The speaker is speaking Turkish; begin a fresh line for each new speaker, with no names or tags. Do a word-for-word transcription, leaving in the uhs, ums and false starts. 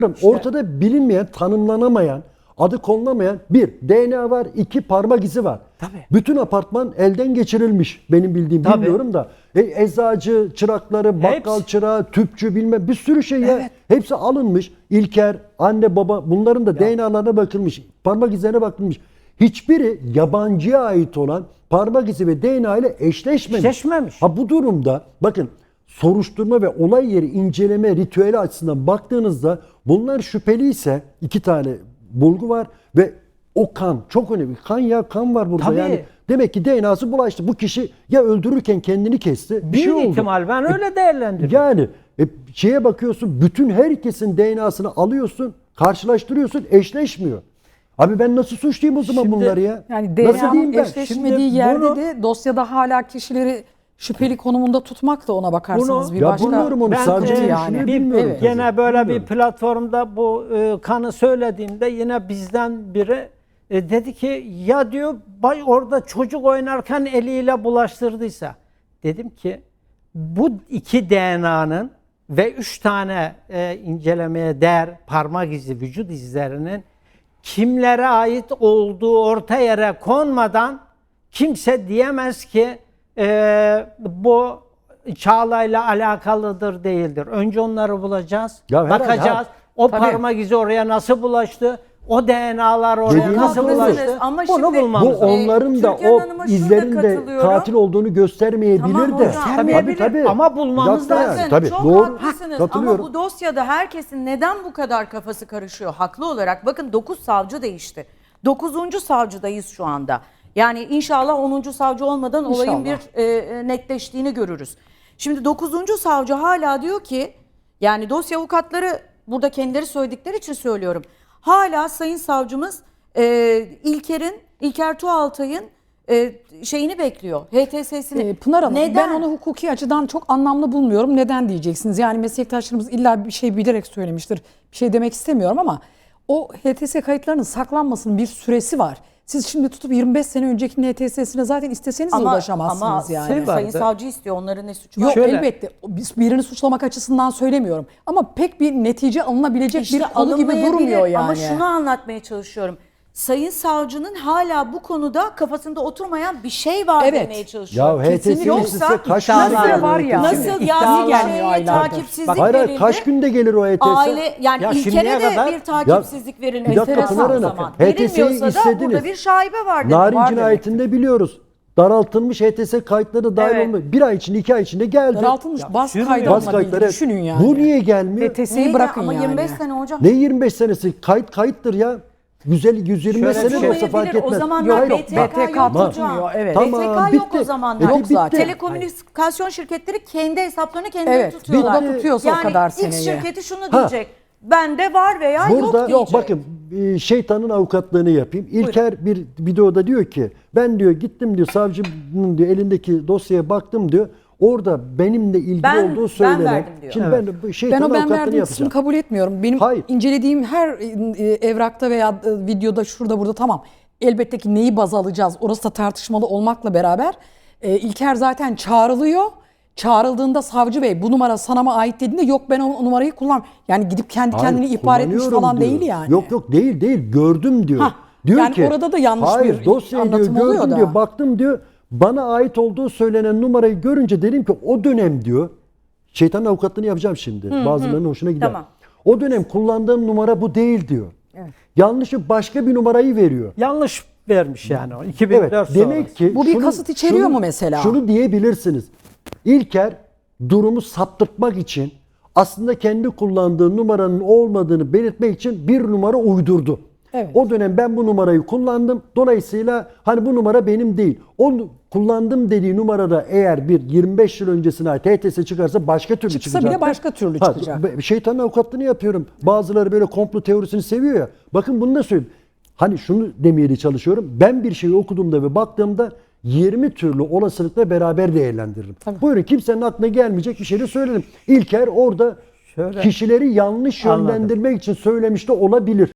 Ortada bilinmeyen, tanımlanamayan, adı konulamayan bir D N A var, iki parmak izi var.
Tabii.
Bütün apartman elden geçirilmiş. Benim bildiğim,
Tabii.
bilmiyorum da. E, eczacı çırakları, bakkal
Hepsi.
çırağı, tüpçü bilmem bir sürü şey ya.
Evet.
Hepsi alınmış. İlker, anne baba bunların da D N A'larına bakılmış. Parmak izlerine bakılmış. Hiçbiri yabancıya ait olan parmak izi ve D N A ile eşleşmemiş.
Eşleşmemiş.
Ha bu durumda bakın soruşturma ve olay yeri inceleme ritüeli açısından baktığınızda bunlar şüpheliyse iki tane bulgu var ve o kan çok önemli. Kan ya kan var burada
Tabii.
yani. Demek ki D N A'sı bulaştı. Bu kişi ya öldürürken kendini kesti. Bir
Büyük
şey oldu.
ihtimal ben öyle değerlendiriyorum.
Yani e, şeye bakıyorsun bütün herkesin D N A'sını alıyorsun, karşılaştırıyorsun, eşleşmiyor. Abi ben nasıl suçlayayım o zaman
Şimdi-
bunları ya?
Yani
Nasıl
D N A'nın
diyeyim ben?
eşleşmediği
Şimdi
yerde
bunu-
de dosyada hala kişileri şüpheli konumunda tutmak da ona bakarsanız
Bunu-
bir
Ya
başka.
bilmiyorum onu,
Ben,
savcının
e,
yani.
düşünüyor,
bir-
bilmiyorum.
evet.
tabii.
Gene böyle
Bilmiyorum.
bir platformda bu e, kanı söylediğimde yine bizden biri e, dedi ki ya diyor bay orada çocuk oynarken eliyle bulaştırdıysa. Dedim ki bu iki D N A'nın ve üç tane e, incelemeye değer parmak izi, vücut izlerinin kimlere ait olduğu orta yere konmadan kimse diyemez ki e, bu Çağla'yla alakalıdır değildir. Önce onları bulacağız,
Ya herhalde,
bakacağız.
ha.
O
Tabii.
parmak izi oraya nasıl bulaştı? O D N A'lar oraya
Dediğiniz
nasıl
doğru.
bulaştı?
Ama
Bunu
şimdi-
bulmamız
Bu
lazım.
onların da
Türkan
o
Hanım'a şurada
izlerin de
katılıyorum.
katil olduğunu göstermeyebilir
Tamam
de.
hocam.
Göstermeyebilir
Tabii, tabii.
ama bulmamız
Yaptı
lazım.
yani, tabii.
çok
Doğru.
haklısınız ama
Katılıyorum.
bu dosyada herkesin neden bu kadar kafası karışıyor haklı olarak? Bakın dokuz savcı değişti. dokuzuncu savcıdayız şu anda. Yani inşallah onuncu savcı olmadan olayın
İnşallah.
bir e, netleştiğini görürüz. Şimdi dokuzuncu savcı hala diyor ki yani dosya avukatları burada kendileri söyledikleri için söylüyorum. Hala sayın savcımız e, İlker'in, İlker Tuğaltay'ın e, şeyini bekliyor. H T S'sini.
Ee, Pınar Hanım
Neden?
ben onu hukuki açıdan çok anlamlı bulmuyorum. Neden diyeceksiniz? Yani meslektaşlarımız illa bir şey bilerek söylemiştir. Bir şey demek istemiyorum ama o H T S kayıtlarının saklanmasının bir süresi var. Siz şimdi tutup yirmi beş sene önceki H T S'sine zaten isteseniz de ulaşamazsınız
ama
yani.
Şey var.
sayın
vardı.
savcı istiyor. Onların ne suçu var?
Yok
Şöyle-
elbette biz birini suçlamak açısından söylemiyorum. Ama pek bir netice alınabilecek
İşte
bir konu gibi
alınmayabilir
durmuyor yani.
Ama şunu anlatmaya çalışıyorum. Sayın savcının hala bu konuda kafasında oturmayan bir şey var
Evet.
demeye çalışıyorum.
Ya H T S
Kesinlikle.
istese
Yoksa
kaç
iddialar
gün gelir
var
o
ya.
H T S?
Nasıl
İddialı
yani
gelmiyor
şeye
aylardır.
takipsizlik
Bak,
Hayır hayır
verildi.
kaç günde gelir o H T S?
Aile yani
Ya
İlker'e
şimdiye
de
kadar-
bir takipsizlik verilmesi
bir dakika
enteresan
Pınar
o
Hanım,
zaman.
H T S'yi
Verilmiyorsa da
istediniz.
burada bir şaibe var demek.
Narin
Var
cinayetinde biliyoruz. Daraltılmış H T S kayıtları dahil
Evet.
olmuş. Bir ay içinde iki ay içinde geldi.
Daraltılmış bas
sürmüyor.
kaydı
Bas
alınabildi.
kayıtları.
Düşünün yani.
Bu niye gelmiyor?
H T S'yi
Neydi?
bırakın
Ama
yani.
yirmi beş sene hocam.
Ne yirmi beş senesi? Kayıt kayıttır ya. yüz elli yüz yirmi beş
Şöyle
sene
bir
de
şey-
olsa fark
Olmayabilir.
etmez.
O zamanlar
Hayır,
B
yok,
T
bak.
K yok hocam.
tutmuyor, evet.
Tamam,
B T K yok
bitti.
o zamanlar.
Yok
zaten.
Telekomünikasyon şirketleri kendi hesaplarını kendileri
Evet,
tutuyorlar.
bir de tutuyorsa o
yani
kadar
X
seneyi.
şirketi şunu
Ha.
diyecek. Bende var veya yok
Burada
diyecek.
bakın e, şeytanın avukatlığını yapayım. İlker bir videoda diyor ki ben diyor gittim diyor savcının diyor elindeki dosyaya baktım diyor. Orada benimle ilgili
Ben-
olduğu
ben
söylenen.
verdim diyor.
Şimdi
Evet.
ben bu
Ben
şeytanın
o ben
avukatlığını
verdiğim kısmını
yapacağım.
kabul etmiyorum. Benim
Hayır.
incelediğim her e, evrakta veya e, videoda şurada burada tamam. Elbette ki neyi baz alacağız orası da tartışmalı olmakla beraber e, İlker zaten çağrılıyor. Çağrıldığında savcı bey bu numara sana mı ait dediğinde yok ben o numarayı kullan. Yani gidip kendi
Hayır,
kendini ihbar etmiş
kullanıyorum
falan
diyor.
değil yani.
Yok yok değil değil gördüm diyor.
Hah,
Diyor
yani
ki
orada da yanlış
hayır,
bir
dosyayı diyor,
anlatım oluyor
gördüm
da.
diyor baktım diyor bana ait olduğu söylenen numarayı görünce dedim ki o dönem diyor şeytanın avukatlığını yapacağım şimdi. Bazılarının hoşuna gider.
Tamam.
O dönem kullandığım numara bu değil diyor. Yanlışı başka bir numarayı veriyor.
Yanlış vermiş yani o. iki bin dört
Evet,
sonrası.
demek ki
Bu bir kasıt içeriyor mu mesela?
Şunu diyebilirsiniz. İlker durumu saptırtmak için aslında kendi kullandığı numaranın olmadığını belirtmek için bir numara uydurdu.
Evet.
O dönem ben bu numarayı kullandım. Dolayısıyla hani bu numara benim değil. O kullandım dediği numarada eğer bir yirmi beş yıl öncesine ait H T S çıkarsa başka türlü
Çıksa
çıkacak.
bile başka türlü çıkacak.
be- Şeytanın avukatlığını yapıyorum. Bazıları böyle komplo teorisini seviyor ya. Bakın bunu da söyleyeyim. Hani şunu demeye çalışıyorum. Ben bir şeyi okuduğumda ve baktığımda yirmi türlü olasılıkla beraber değerlendiririm. Buyurun kimsenin aklına gelmeyecek bir şey de söylerim. İlker orada
Şöyle-
kişileri yanlış
Anladım.
yönlendirmek için söylemiş de olabilir.